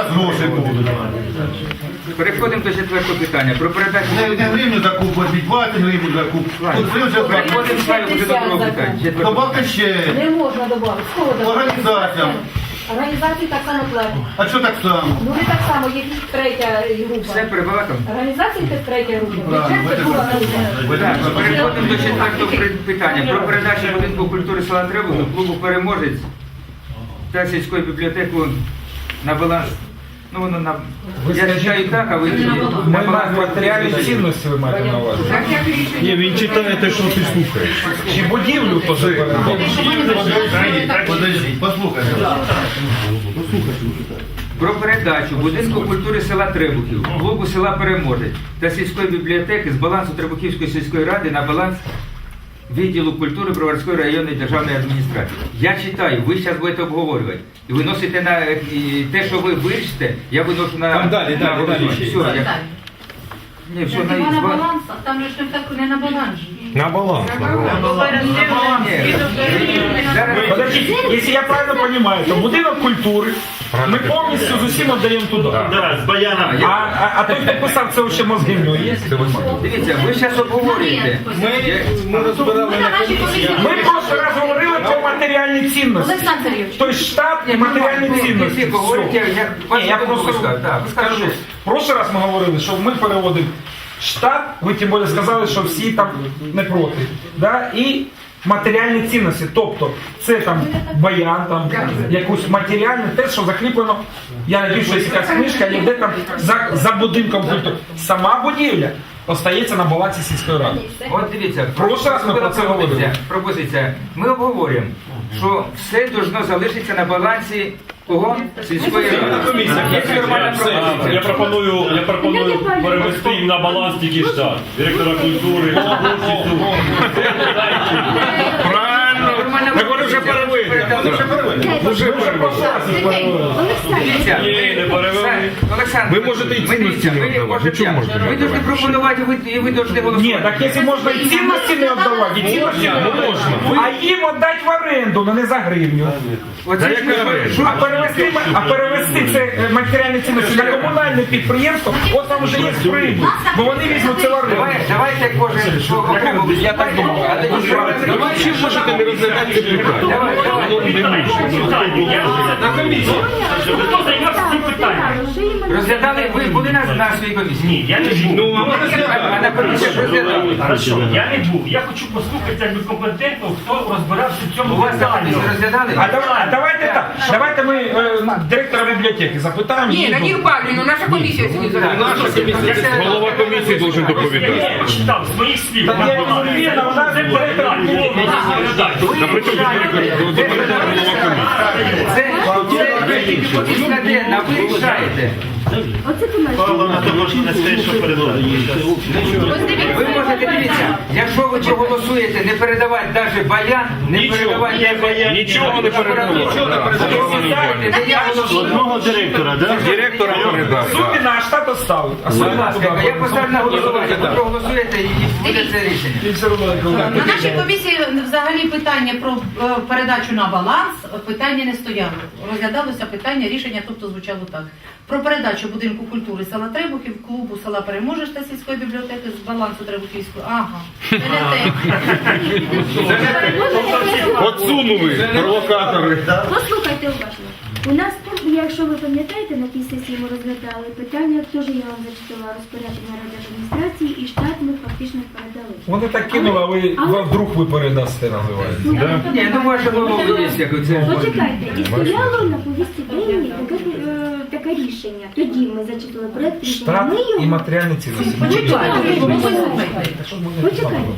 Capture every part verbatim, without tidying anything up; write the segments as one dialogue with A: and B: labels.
A: вас гроші будуть.
B: Переходимо до четвертого питання. Про передачу...
A: Не, не гривню закупувати, двадцять гривень закупувати. Тут ви вже
B: Переходимо славі до другого питання. Четвертого.
A: добавте ще
C: Не можна додати. З кого додати?
A: організаціям.
C: Організації так само платять.
A: А що так само?
C: Ну ви так само, є третя
B: Все
C: група.
B: перебагато?
C: Організації це третя група.
A: Правильно,
C: Бюджет це друга група.
B: Так, переходимо до четвертого при- питання. Про передачу будинку культури села Требухів клубу «Переможець» та сільської бібліотеки на баланс. Ну, воно на... Я читаю так, а ви...
D: Ми на матеріальні цінності ви маєте на увазі.
E: Ні, він читає те, що ти слухаєш.
D: Чи будівлю теж передали?
A: Подождіть, послухайте.
B: Про передачу будинку культури села Требухів, клубу села Переможець та сільської бібліотеки з балансу Требухівської сільської ради на баланс відділу культури Броварської районної державної адміністрації. Я читаю, ви зараз будете обговорювати. І виносите на і те, що ви вирішите, я виношу на...
E: Там далі,
B: на
E: далі,
B: голосування.
E: далі.
B: Все, я... Ні, все, на...
F: на баланс, а там же ж не так не на баланс.
E: На баланс.
B: Ні, зараз...
D: Подождите, если я правильно понимаю, то будинок культури ми повністю з усім віддаємо туди.
E: Да, з баяном.
D: А, а, а той, хто писав, це ще мозги в нього є?
B: Дивіться, ви зараз обговорюєте.
E: Ми розбирали на комісії.
D: Ми просто раз говорили про матеріальні цінності.
F: Олександр Сергійович.
D: Тобто штат і матеріальні
B: Ви
D: цінності.
B: всі говорите,
D: Все.
B: я...
D: Ні, я просто
B: Так, ви
D: скажу.
B: скажете.
D: В прошлый раз ми говорили, що ми переводимо штат, ви тим більше сказали, що всі там не проти. Да? І матеріальні цінності, тобто це там баян, там якусь матеріальне, те, що закріплено, я не що є якась книжка, йде там за, за будинком культури. Сама будівля остається на балансі сільської ради.
B: От дивіться,
D: Прошлий раз ми про це говорили.
B: пропозиція, пропозиція. Ми обговорюємо, що все должно залишитися на балансі кого? Сільської ради. Є нормальна пропозиція.
G: Я пропоную, я пропоную перевести їм на баланс тільки штат. Директора культури,
E: Правильно. Так вони вже перевели. Вже перевели.
B: Дивіться,
G: Ні, не перевели.
B: Олександр,
E: Ви можете і
B: ви
E: цінності
B: дивіться,
E: не
B: ви
E: віддавати.
B: можете-
E: Чому можете не
B: Ви повинні пропонувати, ви- і ви повинні
D: Ні,
B: голосувати.
D: так якщо можна і цінності не віддавати, і цінності не можна. А їм віддати в оренду, але не за гривню.
B: Оце ж ми-
D: А перевести, а перевести це е, матеріальні цінності на комунальне підприємство, от там вже є прибуль, бо вони візьмуть це в оренду.
B: Давай- Давайте кожен що окремо. Я так думав. А тоді що?
E: Давай ще можете не розглядати це питання.
B: Давай, давай.
G: На комісії.
H: Хто займався цим питанням?
B: Розглядали, ви були на, на своїй комісії?
H: Ні, я не був.
E: Ну, а ми
B: А на комісії розглядали.
H: Хорошо, я не був. Я хочу послухати якби компетентно, хто розбирався в
B: У
H: цьому
B: вас на
H: питанні.
B: комісії розглядали?
D: А давай- а давайте так, давайте ми е, директора бібліотеки запитаємо.
I: Ні,
D: її
I: Надію
D: думку.
I: Павлівну, наша комісія сьогодні задала.
E: Наша комісія, голова комісії должен
H: Я
E: доповідати.
H: почитав з моїх слів.
D: Так я
H: вона
D: не вірна, вона
H: це
D: директор
H: питання.
E: На при чому директор, доповідає голова комісії.
B: Це, це ви тільки повістка денна, ви рішаєте. Ви можете, дивіться, якщо ви проголосуєте не передавати навіть баян, не передавати не баян,
E: Нічого не передавати.
G: Одного директора, да?
E: Директора передав.
D: Суміна, а штат оставить. А
B: Будь
D: Суміна
B: ласка,
D: туди.
B: я поставлю на голосування, ви проголосуєте і буде це рішення.
D: І все одно не
F: На нашій комісії взагалі питання про е, передачу на баланс питання не стояло. Розглядалося питання, рішення тобто звучало так. Про передачу будинку культури села Требухів, клубу села Переможеш та сільської бібліотеки з балансу Требухівської. Ага, це не те.
E: Отсунули провокатори.
J: Послухайте уважно. У нас, якщо ви пам'ятаєте, на тій сесії ми розглядали питання, теж я вам зачитала розпорядження райдержадміністрації, і штат ми фактично передали.
D: Вони так кинули, а ви
J: Але-
D: вдруг ви передасте, називається.
B: Ні, ну може було є, як це.
J: Почекайте, і стояло на повістці денній таке, е, таке рішення. Тоді ми зачитали проект рішення.
D: Штат
J: Ми
D: і
J: його...
D: матеріальні цінності.
F: Почекайте,
J: Почекайте.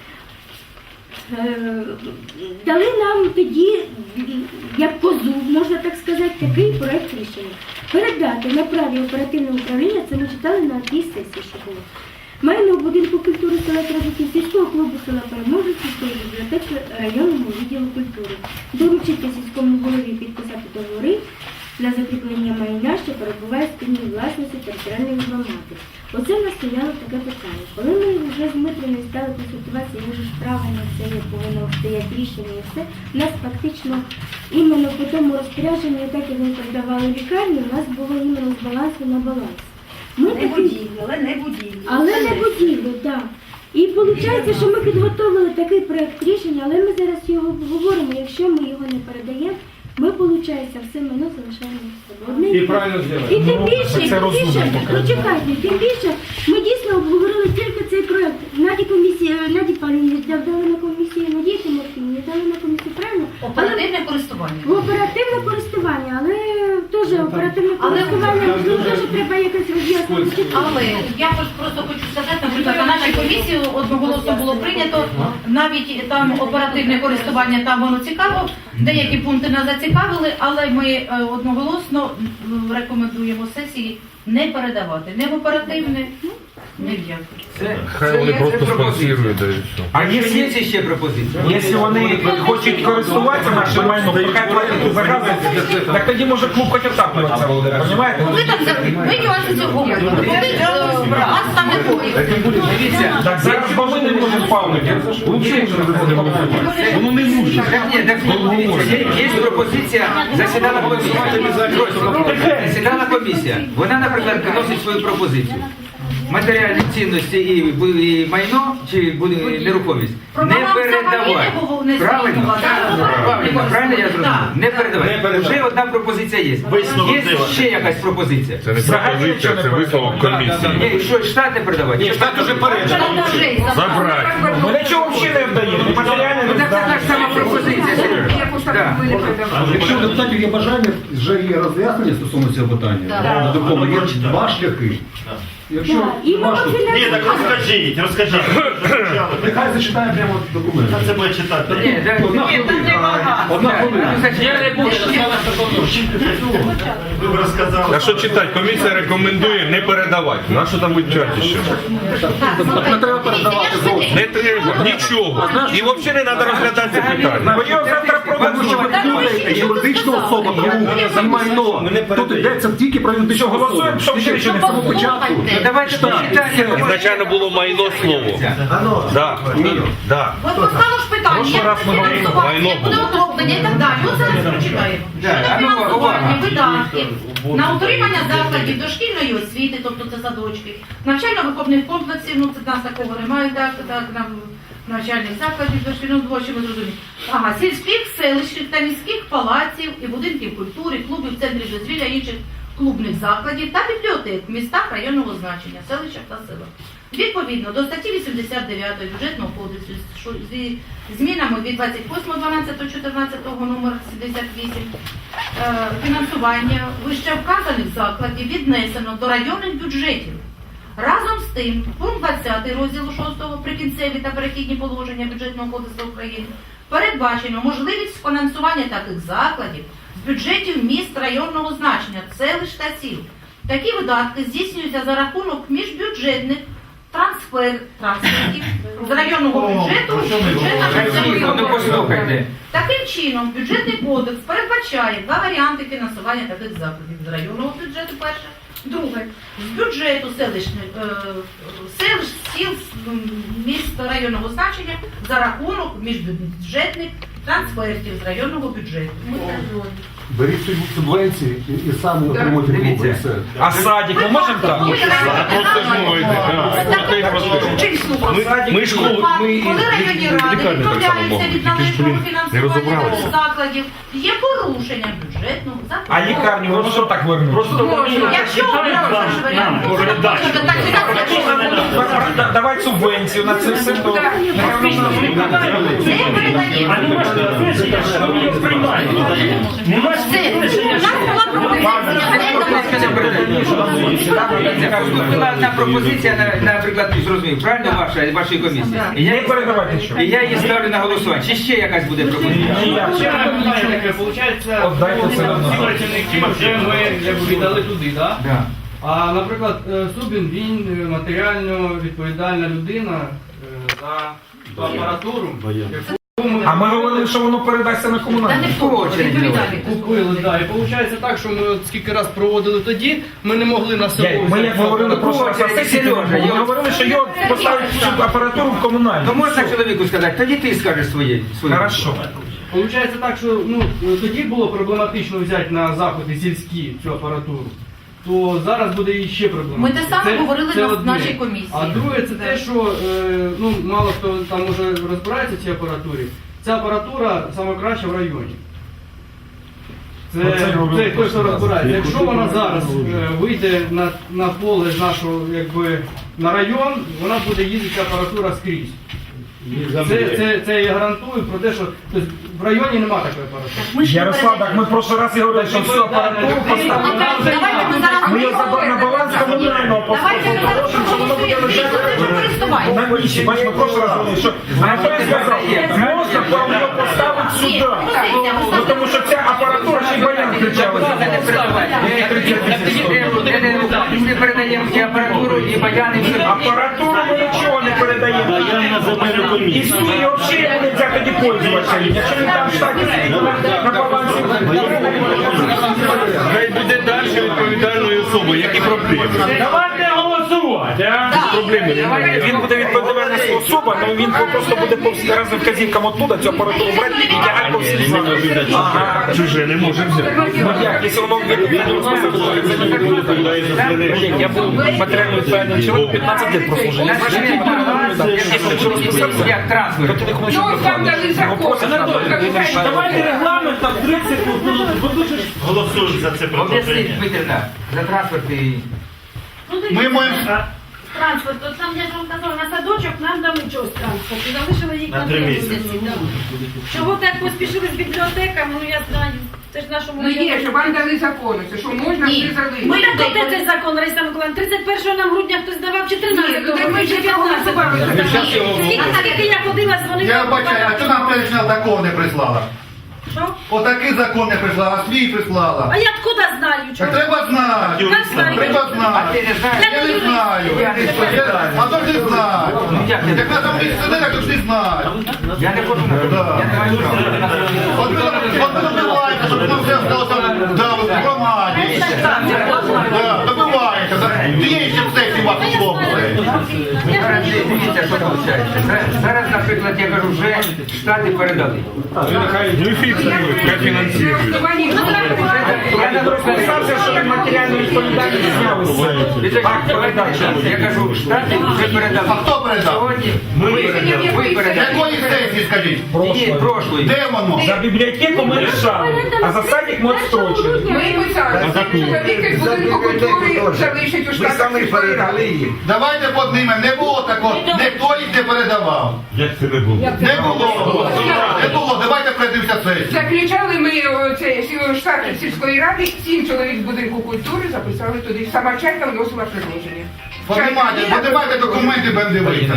J: Е, Дали нам тоді, як козу, можна так сказати, такий проект рішення. Передати на праві оперативного управління, це ми читали на тій сесії, що було. Майно будинку культури села Требухів, сільського клубу села Переможець, сільської бібліотеки районному відділу культури. Доручити сільському голові підписати договори для закріплення майна, що перебуває в спільній власності територіальної громади. Оце в нас стояло таке питання. Коли ми вже з Дмитрою стали консультуватися, як же ж правильно це є, повинно стояти рішення і все, у нас фактично іменно по тому розпорядженню, так як ми передавали лікарню, у нас було іменно з балансу на баланс. Ми
C: Не
J: таки-
C: будівлю, але не будівлю.
J: але не будівлю, так. І виходить, що ми підготовили такий проєкт рішення, але ми зараз його обговоримо. Якщо ми його не передаємо, ми, виходить, все майно залишаємо в себе. Одне
D: І
J: те.
D: правильно
J: І
D: зробили.
J: тим
D: Ну,
J: більше,
D: це
J: тим
D: розумно
J: більше,
D: поки.
J: почекайте, тим більше, ми дійсно обговорили тільки цей проєкт. Наді комісії, Наді Павлівні дали на комісію, Надії Тимофіївні дали на комісію, правильно? Але
F: Оперативне користування.
J: в оперативне користування, але теж оперативне
F: Але-
J: користування, ну, теж треба якось роз'яснити.
F: Але я хоч просто хочу сказати, наприклад, на нашій комісії одноголосно було прийнято, навіть там оперативне користування, там воно цікаво, деякі пункти нас зацікавили, але ми е, одноголосно м, рекомендуємо сесії не передавати не в оперативне, ні в яке.
B: Це,
E: Хай
B: це
E: вони
B: є-
E: просто
B: це пропозиція.
E: спонсорують, да і все.
B: А
D: А
B: якщо
D: якщо-
B: є ще пропозиція?
D: Якщо вони хочуть користуватися нашим майном, то хай платять за газ, так тоді може клуб хоч отаплюватися буде, розумієте?
F: Ви так за- ми нюанси цього говоримо. Коли е, вас там не буде.
B: Дивіться,
D: Так зараз бо ми не можемо павнити.
E: Воно не нужно.
B: Так, ні, так, дивіться, є, є пропозиція, засідала комісія. Засідала комісія. Вона, наприклад, вносить свою пропозицію. Матеріальні цінності і, бу- і майно, чи буде нерухомість,
F: Про
B: не
F: баланс
B: передавати.
F: взагалі не було внесено.
B: Правильно?
F: Так.
B: Правильно, правильно я зрозумів?
F: Так.
B: Не передавати. Вже одна пропозиція є. Є ще якась пропозиція.
E: Це не пропозиція, це висновок комісії.
B: Ні, що штат не передавати?
A: Ні, штат уже передав.
F: Там вже й
E: Забрати.
D: Ми нічого взагалі не вдаємо, ні матеріальне
B: Ну
D: не
B: так це
D: вдаємо.
B: ж сама пропозиція, Сережа. Да.
A: Якщо у депутатів є бажання, вже є роз'яснення стосовно цього питання.
F: Так.
A: Докому є два шляхи. Якщо
J: Так, і ми
A: важко,
J: можемо-
G: Ні, так розкажіть, розкажіть.
A: нехай зачитає прямо документ.
G: Це буде читати.
B: Ні, так,
A: Одна
B: ні,
A: хвилина. Одна хвилина.
B: Я не буду.
G: Ви б розказали.
E: А що читати? Комісія рекомендує не передавати. На що там вивчати ще?
A: Не треба передавати зовсім.
E: Не треба, нічого. І взагалі не треба розглядати це питання.
D: Бо його завтра
A: Тому що ви
D: продадуть.
A: думаєте, юридична особа, тому за майно. Тут йдеться тільки про юридичну особу.
D: Голосуємо, щоб ще нічого не
A: З самого початку.
B: Ну давайте почитаємо.
E: Ізначально було майно слово. Да. Да.
F: От постало ж питання,
D: Прошлий
F: як
D: раз ми говорили,
F: фінансування,
E: майно
F: як буде
E: було.
F: утроплення і так далі. От зараз прочитаємо.
B: Да, а
F: Щодо
B: ну,
F: фінансування
B: увага.
F: видатків на утримання закладів дошкільної освіти, тобто це садочки, навчально-виховних комплексів, ну це нас такого немає, так, так, на навчальних закладів дошкільного двочі, ми зрозуміли. Ага, сільських, селищних та міських палаців і будинків культури, клубів, центрів дозвілля, інших клубних закладів та бібліотек в містах районного значення, селищах та селах. Відповідно до статті вісімдесят дев'ять бюджетного кодексу що зі змінами від двадцять восьмого дванадцятого чотирнадцятого номер сімдесят вісім е, фінансування вищевказаних закладів віднесено до районних бюджетів. Разом з тим, пункт двадцятий розділу шостого прикінцеві та перехідні положення бюджетного кодексу України передбачено можливість фінансування таких закладів з бюджетів міст районного значення, селищ та сіл. Такі видатки здійснюються за рахунок міжбюджетних трансфер, трансфертів з районного бюджету в бюджет
B: Ну
F: місцевого
B: послухайте.
F: Таким чином, бюджетний кодекс передбачає два варіанти фінансування таких закладів. З районного бюджету перше, друге, з бюджету селищних, е, селищ, сіл, м, міст районного значення за рахунок міжбюджетних трансфертів з районного бюджету. Ми це зробимо.
A: Беріть субвенції і, і самі отримуйте клуби. і
B: Дивіться.
A: все.
D: А садик ми можемо так?
E: А просто ж мовити. Ми, ми ж клуб, ми
F: Коли районні ради
E: лікарні так само
F: відмовляються
E: можемо.
F: від
E: Тільки ж,
F: належного
E: блін, не
F: фінансування
E: розібралися.
F: таких закладів, є порушення бюджетного закладу.
D: А лікарню ми можемо так вернути?
H: Просто
F: Якщо обрали варіант, то
H: передачу.
F: так і так.
D: Да- Давай субвенцію на це все, то нехай воно
F: Не передаємо.
H: А не можна вирішити, що ми його приймаємо. Нема
F: Все. У нас була пропозиція.
B: Була одна пропозиція, на- наприклад, зрозумів, правильно ваша, вашої комісії? І
D: не
B: я,
D: передавати нічого.
B: і я її ставлю на голосування. Чи ще якась буде пропозиція?
H: Ще питання таке, виходить,
D: Отдайте все одно.
H: всі працівники вже ми якби віддали туди, так?
B: Да.
K: А, наприклад, е, Зубін, він е, матеріально відповідальна людина е, за ту апаратуру, яку ми
D: А ми говорили, що воно передасться на
F: Та
D: комунальне.
F: не хто, відповідальний.
K: Купили, да. І виходить так, що ми от скільки раз проводили тоді, ми не могли на село.
D: Я- Ми як говорили про що на сесії, ми говорили, що його поставить цю апаратуру в комунальну.
B: То можна чоловіку сказати, тоді ти скажеш своє. своє.
D: Хорошо.
K: Получається так, що ну, тоді було проблематично взяти на заходи сільські цю апаратуру, то зараз буде і ще проблематично.
F: Ми те саме говорили на
K: одне.
F: нашій комісії.
K: А друге, це те, що е, ну, мало хто там уже розбирається в цій апаратурі. Ця апаратура саме краща в районі. Це,
D: Оце
K: це
D: говорили
K: той, хто
D: просто,
K: розбирається. Якщо вона зараз е, вийде на, на поле з нашого, якби, на район, вона буде їздити ця апаратура скрізь. Це, це, це я гарантую про те, що тобто, в районі немає такої апаратури.
F: Ми ж не
D: Ярослав, так ми в прошлый раз говорили, що всю апаратуру поставили.
F: Давайте ми зараз
D: Ми його забрали на баланс комунального
F: Давайте ми зараз
D: поставили, що воно буде лежати.
F: користування.
D: На ніч, бачиш, ми в прошлый раз говорили, що Анатолій сказав, можна вам його поставити сюди. Ну, тому що ця апаратура ще й баян кричала.
B: Ми передаємо і апаратуру, і баяни, і все.
D: Апаратуру ми нічого не передаємо. І свої взагалі не можна тоді пользуватися. Якщо він там в штаті на балансі.
E: Хай буде далі відповідальною особою, які проблеми.
H: Давайте голосувати, а?
E: Проблеми немає.
D: Він буде відповідальна особа, але він просто буде по всім разом вказівкам оттуда цю апаратуру брати і тягати по всім закладам. Ага.
E: Чуже не може взяти.
D: Ну як, якщо воно я був матеріально відповідальним чоловіком, п'ятнадцять років прослужив. Я якщо розписався,
B: Як трансфер.
D: то ти не хочеш
I: Ну, там дали закон.
H: Давайте регламент там тридцять секунд.
E: Голосують за це
B: Об'ясніть,
E: предложення.
B: Дмитрівна, за транспорт і...
A: Ми маємо
J: Транспорт, от там я ж вам казала, на садочок нам дали чогось транспорт. І залишили їх
E: На
J: на
E: три
J: три
E: місяці.
J: місяці. да. Чого так поспішили з бібліотеками, ну я знаю. Це ж нашому
I: Ну є, що вам дали закони, це що можна
F: Ні.
I: все залишити.
J: Ми так де цей закон, Раїса Миколаївна, тридцять першого нам грудня хтось давав, чи
I: Ні,
J: тринадцятого,
I: ну, так ми
J: чи
I: ще
J: п'ятнадцятого.
I: проголосували.
J: Скільки скільки я ходила, дзвонила.
A: Я бачаю, а що нам перечна закон не прислала?
J: Що?
A: Отакий закон не прислала, а свій прислала.
J: А я откуда знаю,
A: Так
J: чого?
A: треба знати.
J: Я знаю.
A: Треба
B: А
A: знати.
B: ти не знаєш?
A: Я не знаю.
B: Я не знаю.
A: А то ж не знаю.
B: як не
A: Як на там місце сидить, так то ж не знаю.
B: Я не хочу на
A: Да.
B: Я не маю права.
A: От ви от ви добиваєте, щоб нам все сталося да, в громаді. Да, добиваєте. Є ще в сесії вас условили.
B: Зараз дивіться, що виходить. Зараз, наприклад, я кажу, вже штати передали.
E: Ну і фіксують, як фінансують.
B: Я не
D: Розписався, що він матеріальну відповідальність зняли з себе. Акт передачі.
B: Я кажу, штати вже передали.
A: А хто передав?
B: Сьогодні
E: Ми
B: ви
E: передали.
B: ви передали.
A: Якої сесії, скажіть?
B: Ні, прошлої.
A: Де воно?
D: За бібліотеку ми рішали, а за садик ми відстрочили.
I: Ми писали, що чоловік із будинку культури залишить у штатах сільської ради.
A: Давайте поднимемо. Не було такого. Ніхто їх не передавав.
E: Як це не було?
A: Не було. Не було. Давайте пройдемося сесію.
I: Заключали ми о, це сі- штат сільської ради, сім чоловік з будинку культури записали туди. Сама чайка вносила предложення.
A: Поднимайте, поднимайте документи, будемо дивитися.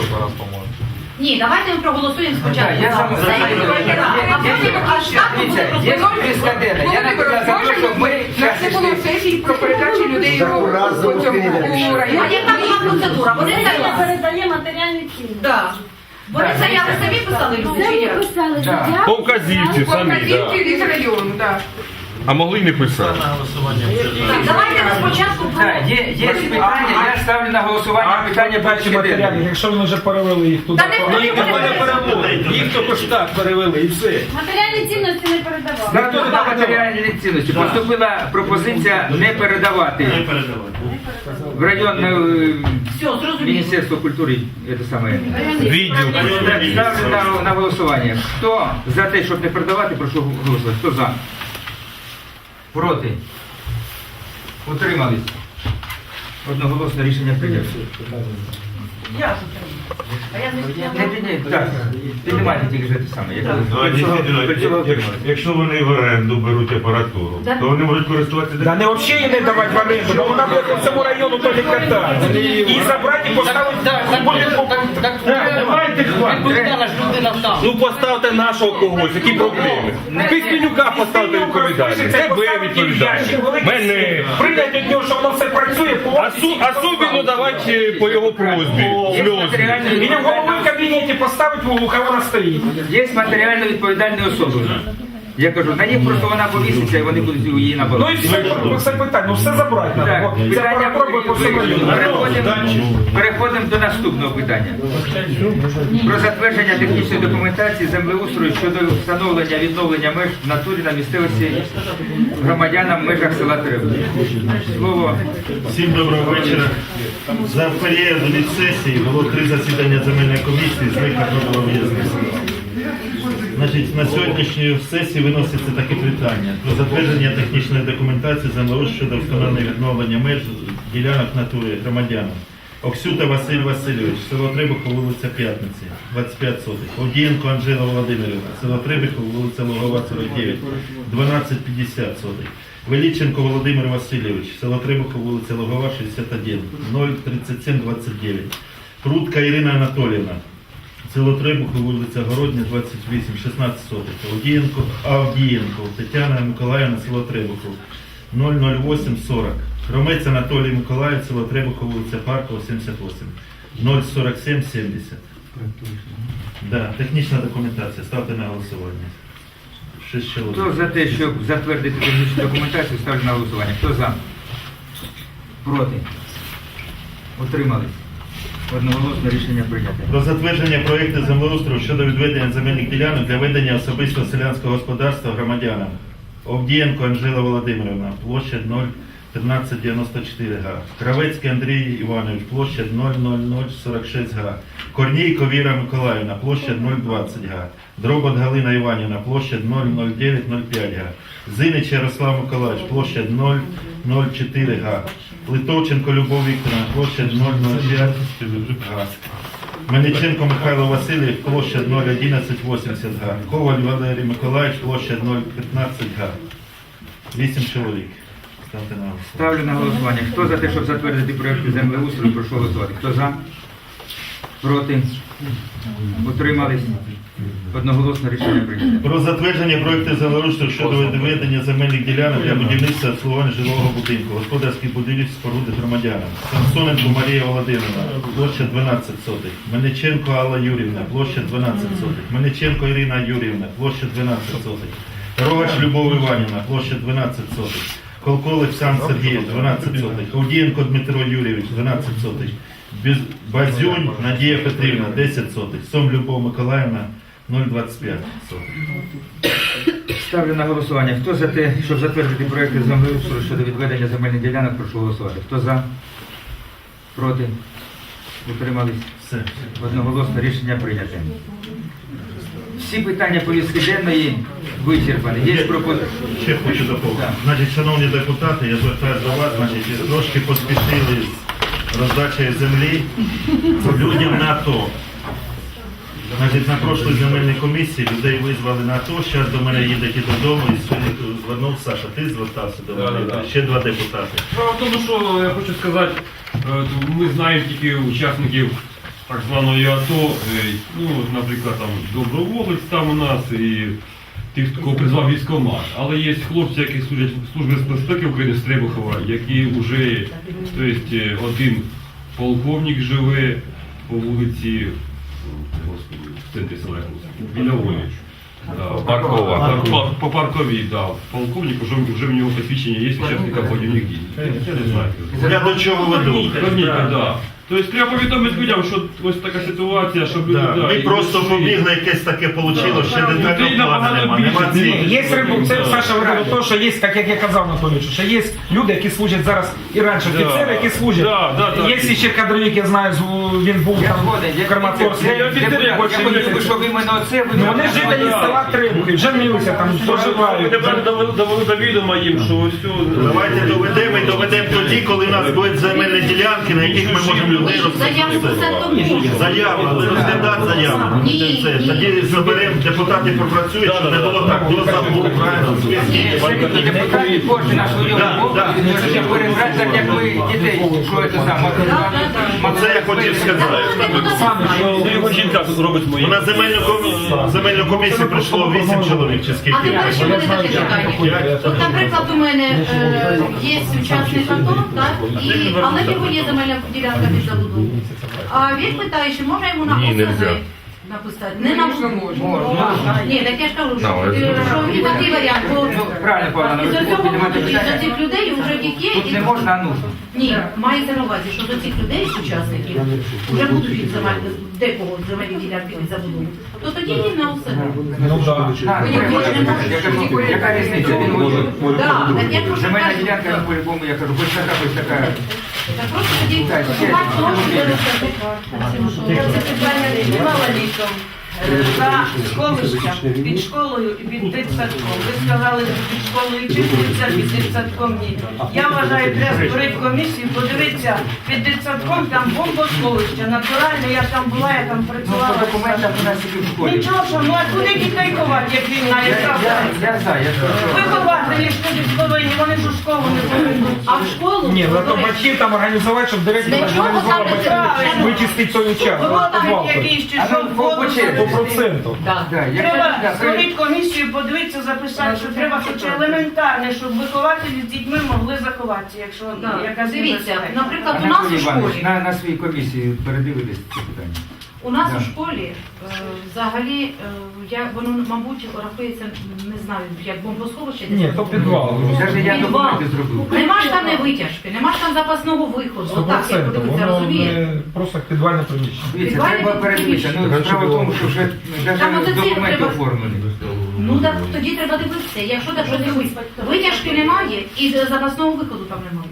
F: Ні, давайте ми проголосуємо
B: Так,
F: спочатку.
B: я сам
F: Це
B: знаю.
F: відповідає. А потім аж так буде
B: Дивіться, є
F: просто.
B: списка денна. Я наприклад за те, щоб ми
I: На це було сесії про передачу людей у, у цьому у
F: А
I: районі.
F: яка була процедура? Вони
J: Це
F: заяви.
J: передає матеріальні цінності.
F: Да. Вони
B: Так,
F: заяви самі писали люди
J: Це
F: чи
J: ми
F: як?
J: писали
B: Да.
J: заяву.
E: По вказівці самі,
I: Показівки
E: так.
I: від району, так.
E: А могли й не писати.
F: Так, давайте ми спочатку про...
B: Так, є, є питання, я ставлю на голосування питання
D: Бачі
B: порядку
D: матеріалів,
B: денного.
D: якщо вони вже перевели їх туди.
F: Та не
D: Ну, їх
F: перевели.
D: не перевели. Їх тільки ж так перевели і все.
J: Матеріальні цінності не передавали.
B: Статут на матеріальні цінності. Поступила пропозиція не передавати в районне е,
F: Все, зрозуміло.
B: Міністерство культури. Це саме.
E: Відділ.
B: Ставлю на, на голосування. Хто за те, щоб не передавати, прошу голосувати. Хто за? Проти? Утримались? Одноголосно рішення прийнято. Не, не, не, так, піднімайте тільки ж те саме. Як ви- до цього- до цього отримали.
E: Якщо вони в оренду беруть апаратуру, то вони можуть користуватися.
D: Да не взагалі її не давати в оренду, бо вона буде по всьому району то катати. І забрати і поставити в будинку.
E: Давайте хватить. Ну поставте нашого когось, які проблеми. Піснюка поставте відповідальність. Це ви відповідальність. Мене.
D: Прийняти від нього, що воно все працює, по
E: А
G: Осу- Особенно давайте по його просьбі.
B: Є
G: Сльози.
B: матеріально
D: Или в головы в
B: відповідальні-
D: кабинете поставить, у кого она стоит.
B: Є матеріально відповідальні особи. Я кажу, на них просто вона повіситься і вони будуть її на
D: Ну
B: балансі.
D: и все, все питання, ну все забрати
B: Так,
D: надо. Бо ця
B: питання
D: прокуратура по всьому району.
B: переходимо, переходимо до наступного питання. Про затвердження технічної документації землеустрою щодо встановлення відновлення меж в натурі на місцевості громадянам в межах села Требух. Слово
A: Всім доброго вечора. За період від сесії було три засідання земельної комісії, з них одне було в'язне. Значить, на сьогоднішній сесії виноситься таке питання про затвердження технічної документації землеустрою щодо встановлення відновлення меж ділянок натури громадянам. Оксюта Василь Васильович, село Требухов, вулиця П'ятниці, двадцять п'ять сотих. Овдієнко Анжела Володимирівна, село Требухов, вулиця Лугова, сорок дев'ять, дванадцять п'ятдесят сотих. Величенко Володимир Васильович, село Требухов, вулиця Лугова, шістдесят один, ноль тридцять сім двадцять дев'ять. Прудка Ірина Анатоліївна, село Требухов, вулиця Городня, двадцять вісім, шістнадцять сотих. Авдієнко, Авдієнко Тетяна Миколаївна, село Требухов, нуль нуль вісім сорок. Хромець Анатолій Миколаїв, село Требухов, вулиця Паркова, сімдесят вісім, нуль сорок сім сімдесят. Да, технічна документація, ставте на голосування. Шість чоловік.
B: Хто за те, щоб затвердити технічну документацію, ставлю на голосування. Хто за? Проти? Утримались? Одноголосно рішення прийнято.
A: Про затвердження проєкту землеустрою щодо відведення земельних ділянок для ведення особистого селянського господарства громадянам. Овдієнко Анжела Володимирівна, площа нуль тринадцять дев'яносто чотири га. Кравецький Андрій Іванович, площа нуль нуль нуль сорок шість га. Корнійко Віра Миколаївна, площа нуль двадцять га. Дробот Галина Іванівна, площа нуль нуль дев'ять нуль п'ять га. Зинич Ярослав Миколаївич, площа нуль нуль чотири га. Литовченко Любов Вікторовна, площа нуль нуль п'ять га. Мельниченко Михайло Васильович, площа нуль одинадцять вісімдесят га. Коваль Валерій Миколаївич, площа нуль п'ятнадцять га. Вісім чоловік. Ставте на голосування.
B: Ставлю на голосування. Хто за те, щоб затвердити проєкт землеустрою, прошу голосувати. Хто за? Проти? Утримались? Одноголосно рішення прийнято.
A: Про затвердження проєкту землеустрою щодо відведення земельних ділянок для будівництва та обслуговування жилого будинку, господарських будівель споруди громадянам. Самсоненко Марія Володимирівна, площа дванадцять сотих. Мельниченко Алла Юрівна, площа дванадцять сотих. Мельниченко Ірина Юрівна, площа дванадцять сотих. Рогач Любов Іванівна, площа дванадцять сотих. Колко Олександр Сергійович, дванадцять сотих. Овдієнко Дмитро Юрійович, дванадцять сотих. Базюнь Надія Петрівна, десять сотих. Сом Любов Миколаївна, нуль двадцять п'ять сотих.
B: Ставлю на голосування. Хто за те, щоб затвердити проєкт землеустрою щодо відведення земельних ділянок, прошу голосувати. Хто за? Проти? Утримались?
A: Все.
B: Одноголосно рішення прийнято. Всі питання повістки денної вичерпані. Є пропозиції?
A: Ще хочу доповнити.
B: Так.
A: Значить, шановні депутати, я звертаюся до вас, значить, трошки поспішили з роздачею землі людям на АТО. Значить, на прошлій земельній комісії людей визвали на АТО, зараз до мене їдете додому і сьогодні звернув Саша, ти звертався до мене,
G: Да, да, да.
A: ще два депутати.
G: Справа в тому, що я хочу сказати, е, ми знаємо тільки учасників так званої АТО, е, ну, от, наприклад, там доброволець там у нас і тих, кого призвав військкомат. Але є хлопці, які служать в Службі безпеки України з Требухова, які вже, тобто, е, один полковник живе по вулиці, господи, в центрі села, біля Волі. Да,
E: Паркова.
G: По, по, по парковій, да. Полковник, вже, вже в нього посвідчення є учасника бойових дій. Я не знаю.
A: Я до чого веду?
G: Корніка, да. Тобто треба повідомити людям, що ось така ситуація, щоб люди...
A: Да,
G: да,
A: ми
G: і
A: просто
G: всі-
A: побігли, якесь таке вийшло, ще
G: Людей
A: детального плану
G: набагато
A: нема,
G: більше.
A: нема цієї.
D: Є рибу, це Саша говорив то, що є, так як я казав Анатолійовичу, що є люди, які служать зараз і раніше
G: Да.
D: офіцери, які служать.
G: Да, да, да.
D: Є ще кадровик, я знаю, з- він був
B: Я
D: там
B: згоден.
D: в
B: Я
D: Краматорську.
B: я- я- я- я хотів би, щоб іменно оце ви...
D: Ну, вони жителі села Требухи, женилися там, проживають.
G: Тепер довели довели до відома їм, що ось все...
A: Давайте доведемо і доведемо тоді, коли у нас будуть земельні ділянки, на яких ми можемо людей
F: Заяву
A: розпустити.
F: все тому.
A: Заяву, але розглядати заяву.
F: Ні.
A: Це, тоді заберемо, депутати попрацюють, щоб не було так, до забув, правильно, зв'язки.
B: Все-таки депутати кожен на свою
A: Да,
B: мову,
A: да.
B: можете перебрати, так як ми дітей, що це саме.
A: Оце я хотів сказати.
G: Ну, його жінка робить мої.
A: У нас земельну комісію, земельну комісію прийшло вісім чоловік, чи
F: А
A: скільки?
F: тепер ще буде таке питання. От, наприклад, у мене е, є учасник АТО, так? І, але в нього є земельна ділянка під забудову. А він питає, чи можна йому на
E: Ні,
F: ОСГ
E: нельзя.
F: написати? Не на
I: Можна, можна.
F: Ні, так я ж кажу, що,
E: На
F: е, що і такий варіант. бо
B: Ну, правильно, Павло,
F: Із
B: ви
F: цього
B: піднімаєте
F: будуть,
B: питання.
F: з цих людей вже є.
B: Тут
F: і-
B: не можна, а нужно.
F: Ні, мається на увазі, що до цих людей, з учасників, вже будуть від земель, декого земельні ділянки від забудови, то тоді він на ОСГ.
D: Ну да.
B: Так,
F: Ви
B: я
F: не можете,
B: кажу,
F: можете.
B: я кажу, яка різниця? Він воює.
F: Так, так я просто
B: Земельна
F: кажу.
B: ділянка, я по-любому, я кажу, хоч така, хоч така.
F: Так просто тоді
B: Так, ще.
F: шукати того, що ви
L: Це питання піднімала літом. За сховищем під школою і під дитсадком. Ви сказали, що під школою числиться, під дитсадком ні. Я вважаю, треба створити комісію, подивитися, під дитсадком там бомбосховище, натурально, я там була, я там
B: Ну,
L: працювала.
B: по документах у нас тільки в школі.
L: Нічого, що, ну а куди дітей ховати, як війна,
B: Я,
L: яка
B: я, я за, я
L: Ви
B: за.
L: хователі ж тоді повинні, вони ж у школу не повинні.
F: А в школу?
D: Ні, ну то
F: до речі,
D: батьків там організувати, щоб директор
F: Для чого
D: організувала
F: там
D: батьків
L: це?
D: вичистити той участок.
L: Хователь якийсь чи
B: А
L: що,
B: ну, по- по
L: воду
B: черзі.
D: Сто процентів.
F: Да.
B: Да, я
L: Треба
B: кажу, да,
L: створити комісію, подивитися, записати, що треба хоч елементарне, щоб вихователі з дітьми могли заховатися, якщо
F: Да.
L: якась
F: Дивіться,
L: небезпека.
F: наприклад, у нас
B: Анатолій
F: у
B: Іванович,
F: школі,
B: на, на своїй комісії передивились це питання.
F: у нас
B: Да.
F: у школі е, взагалі, е, я, воно, мабуть, рахується, не знаю, як бомбосховище. десь
D: Ні,
F: таке.
D: то підвал.
B: Навіть я
F: Підвал.
B: документи зробив.
F: Нема ж там не витяжки, нема ж там запасного виходу.
D: Сто
F: Отак, як
D: процентів.
F: подивитися,
D: Воно
F: розумієте?
D: не просто підвальне приміщення.
B: Дивіться,
F: Підвальне
B: треба передивитися. Ну,
D: Раніше
B: справа в
D: було.
B: тому, що вже
F: Там
B: навіть
F: оце
B: документи
F: треба-
B: оформлені.
F: Ну так тоді треба дивитися. Якщо так що дивитися, витяжки немає і запасного виходу там немає.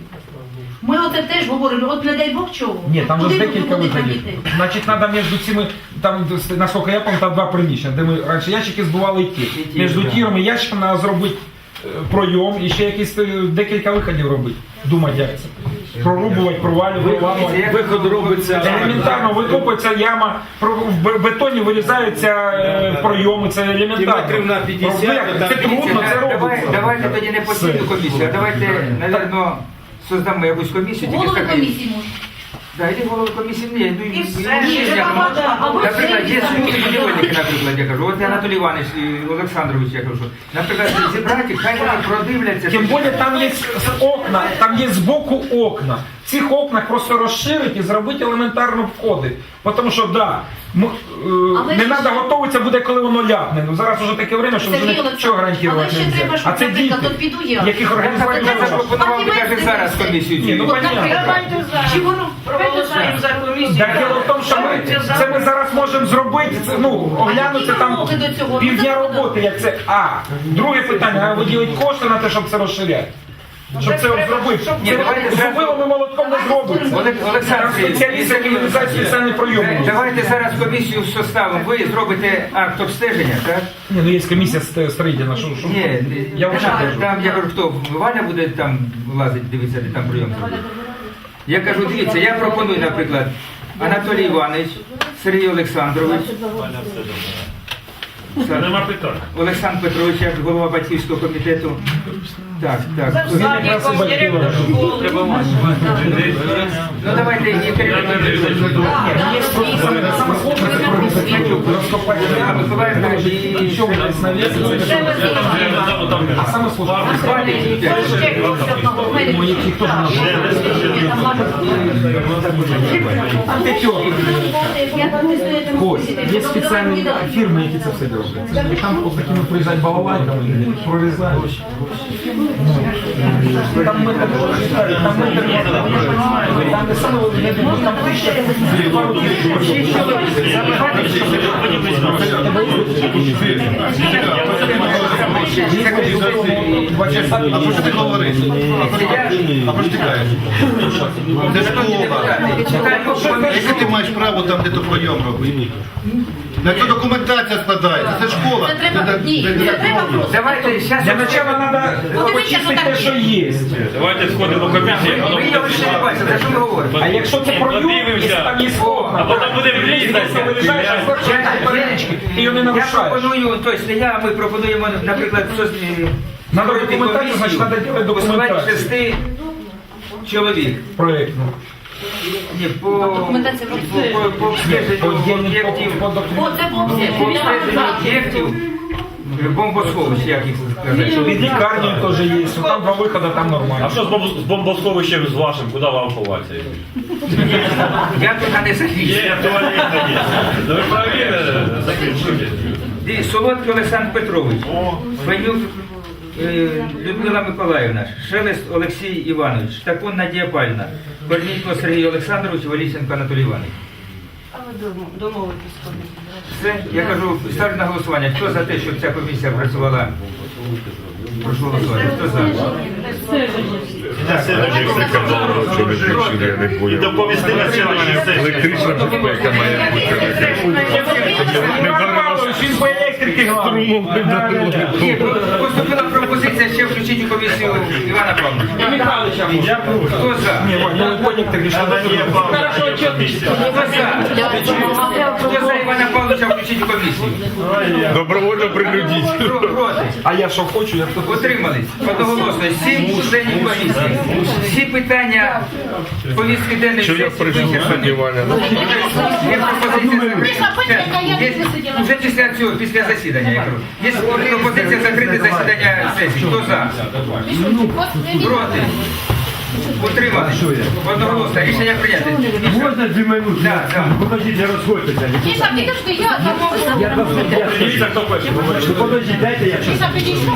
F: Ми оце теж говоримо, от не дай Бог чого.
D: Ні, там же
F: Куди
D: ж
F: ви
D: декілька
F: будете
D: виходів.
F: діти?
D: Значить, треба між цими, там, наскільки я пам'ятаю, там два приміщення, де ми раніше ящики збували і ті.
B: І ті,
D: Між
B: да.
D: тіром і ящиком треба зробити е, пройом і ще якісь е, декілька виходів робити. Думати, як це. Прорубувати, провалювати, виламувати.
B: Виход робиться.
D: Елементарно викопується яма, про- в бе- бетоні вирізаються е, пройоми, це елементарно.
E: Кілометрів на п'ятдесят,
D: Робити,
E: там
D: Це трудно, це
B: Давай-
D: робиться.
B: Давайте тоді не постійну
D: Все.
B: комісію, а давайте, напевно, создамо якусь комісію. тільки
F: Голови
B: з такою-
F: комісії можуть.
B: Да, іди голови комісії, ні, ну,
L: І
B: і-
L: все.
B: ну,
L: Ні,
B: є,
L: це
B: я
L: багато.
B: кажу,
F: Або
B: наприклад,
F: це
B: є
F: і
B: смутні
F: так.
B: будівельники, наприклад, я кажу, от я Анатолій Іванович і Олександрович, я кажу, наприклад, зібрати, хай вони продивляться.
D: Тим
B: що-
D: більше там є з окна, там є збоку окна. В цих окнах просто розширити і зробити елементарно входи. Тому що, да, м- е,
F: Але
D: не
F: ще-
D: треба готуватися буде, коли воно ляпне. Ну зараз вже таке время, що вже
F: Сергій
D: нічого
F: Олександрович, але
D: гарантувати
F: ще
D: не
F: треба,
D: можна.
F: щоб,
D: А це
F: наприклад,
D: діти,
F: от піду я.
D: яких
B: Я
D: організувати не
B: запропонував
D: можна.
B: запропонував би навіть зараз комісію.
D: Ні, ну
F: От,
D: понятно.
F: наприклад,
L: Давайте
F: Чи воно
L: зараз проголосуємо за комісію.
D: Так діло в тому, що ми, це ми зараз можемо зробити, це, ну, оглянути
F: які
D: там
F: вимоги до цього?
D: півдня
F: Ну, це
D: роботи, як це. А, друге питання, а виділити кошти на те, щоб це розширяти. Щоб це от зробити.
B: Ні, давайте
D: Це
B: зразу-
D: зробили ми молотком не зробиться.
B: Олег- Олександр
D: Там спеціалісти, які вирізають спеціальний прийом.
B: Е, Давайте зараз комісію составимо. Ви зробите акт обстеження, так?
D: Ні, ну є комісія ст- строїтельна, що, що?
B: Ні,
D: Я
B: не
D: вже
B: надо.
D: кажу.
B: Там я кажу, хто Валя буде там лазити, дивитися, де там прийом зробити. Я кажу, дивіться, я пропоную, наприклад, Анатолій Іванович, Сергій Олександрович,
H: Нема питань.
B: Олександр Петрович, як голова батьківського комітету. Так,
L: За
B: так.
L: садиком, директор школи.
B: Ну давайте і керівники.
D: Є просто саме саме сложне це провести розкопати яму,
B: Миколаївна і
D: що ви десь навісити, це а саме сложне. Ну, які хто ж наш? Там п'ятерка. Ось, є спеціальні фірми, які це все роблять. І там ось такими приїжджають балалайками, прорізають. Ну, там ми так читали, там ми так там де саме я думаю, там тисяча, пару тисяч. Два часа.
E: А про що ти говориш? А про що ти кажеш? Це школа. Яке ти маєш право там, де то прийом робити? На цю документація складається, це школа.
F: Це треба, ні, це треба просто.
B: Давайте зараз.
D: Для начала треба почистити те, що є.
H: Давайте сходимо до комісії.
B: Ви його ще не бачите, за що ми говоримо?
D: А якщо це пройом, якщо там є окна,
H: А потім буде влізти.
D: якщо вирішаєш, а перелічки, ти його не
B: Я
D: нарушаєш.
B: пропоную, тобто не я, ми пропонуємо, наприклад, щось, е,
D: Надо
B: створити
D: документацію, значить,
B: комісію,
D: надо робити
B: посилати
D: документацію.
B: шести чоловік.
D: Проєктну.
B: Ні, по,
F: Документація
B: по, по, по обстеженню
D: По- по-
B: об'єктів,
D: по- по-
F: О, це по
B: по
F: обстеженню.
B: обстеженню об'єктів бомбосховищ, як їх сказати.
D: Під лікарнею теж є, ну, там два виходи, там
H: А
D: нормально.
H: що з бомб- з бомбосховищем з вашим? Куди вам ховатися?
B: Я туди не захищу.
H: Є, туалет є. Ну ви правильно закінчуйте.
B: Ді- Солодкий Олександр Петрович, Фенюк е, Людмила Миколаївна, Шелест Олексій Іванович, Штакун Надія Павлівна, Корнійко Сергій Олександрович, Валіченко Анатолій Іванович.
L: А ви домовитесь з комісією.
B: Все, я кажу, ставлю на голосування. Хто за те, щоб ця комісія працювала? Прошу голосувати. Хто за?
A: На следующий І доповісти на сьогодні сесії.
D: Іван Павлович, він по електрики главний.
B: Ні, поступила пропозиція ще включити у комісію Івана Павловича. Хто за?
D: Ні, Вань, ну Коник так рішив.
A: Надія Павлівна, комісія.
B: Хто за? Хто за Івана Павловича включити у комісію?
G: Добровольно принудіть.
B: Про- Проти?
D: А я що хочу, я то
B: Утримались. Одноголосно. Сім членів комісії. Всі питання повістки денної сесії вичерпані. Є пропозиція закрити. Є- Вже після цього, після засідання, я кажу. Є пропозиція закрити засідання сесії. Хто за? Проти? Утримались. Одноголосно. Рішення прийнято.
H: Можна дві минути?
B: Да, да.
H: Покажіть, не розходьтеся.
C: Міша, підожди, я там
H: Дивіться, хто перший. Ну, подождіть, дайте я щось.
C: Міша, підійшла?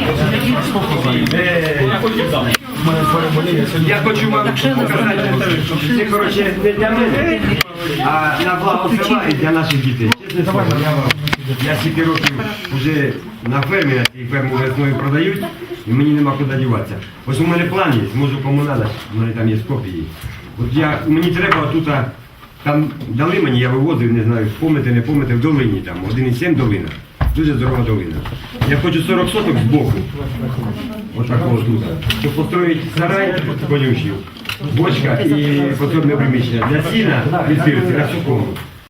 H: Я потім дам.
B: Я хочу вам показати.
H: Це, коротше, не для мене, а на благо села і для наших дітей. Чесне слово, я вам, я стільки років вже на фермі, на цій ферму весною продають, і мені нема куди діватися. Ось у мене план є, можу кому надати, у мене там є копії. От я, мені треба тут, там дали мені, я вивозив, не знаю, помните, не помните, в долині там, один і сім долина. Дуже здорова долина. Я хочу сорок соток з боку. Отакого тут. Щоб построїти сарай конюшів, бочка і подсобне приміщення для сіна від сирці на сухому.